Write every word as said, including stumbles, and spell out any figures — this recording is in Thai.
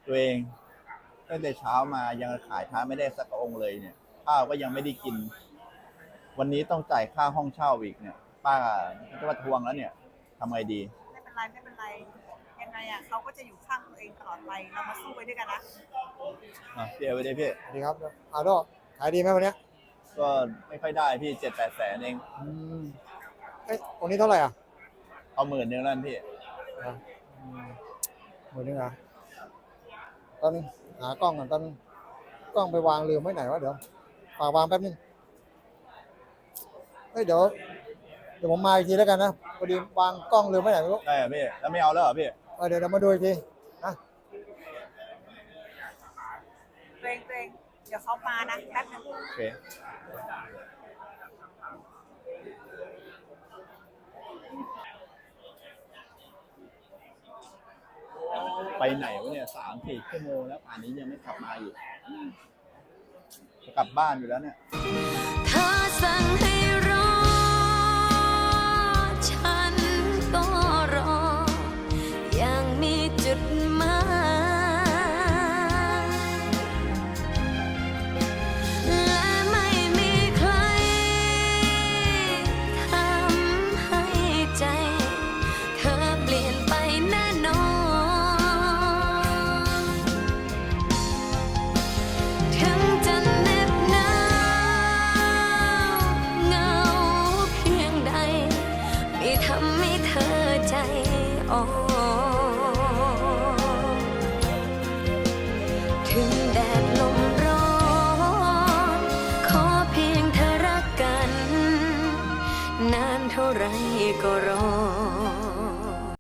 ตัวเองตั้งแต่เช้ามายังขายท้าไม่ได้สักองค์เลยเนี่ยข้าวก็ยังไม่ได้กิน วันนี้ต้องจ่ายค่าห้องเช่าอีกเนี่ยป้าจะมาทวงแล้วเนี่ยทำไงดีไม่เป็นไรไม่เป็นไรยังไงอ่ะเขาก็จะอยู่ข้างตัวเองตลอดไปเรามาสู้ไปด้วยกันนะอ่ะพี่เอไปเลยพี่ดีครับอาโดขายดีไหมวันนี้ก็ไม่ค่อยได้พี่เจ็ดแปดแสนเองอืมเอ้ยตรงนี้เท่าไหร่อ่ะเอาหมื่นหนึ่งแล้วพี่หมื่นนึงอ่ะตอนนึงหากล้องก่อนตอนนึงกล้องไปวางลืมไว้ไหนวะเดี๋ยวฝากวางแป๊บนึงเฮ้ยเดี๋ยวเดี๋ยวผมมาอีกทีแล้วกันนะพอดีวางกล้องลืมไว้ไหนไม่รู้ได้พี่แล้วไม่เอาแล้วเหรอพี่เออเดี๋ยวเรามาดูอีกทีนะตัวเองตัวเองเดี๋ยวเขามานะแป๊บนึงโอเคไปไหนวะเนี่ยสามสี่ชั่วโมงแล้วป่านนี้ยังไม่กลับมาอยู่จะกลับบ้านอยู่แล้วเนี่ย他สั่งให้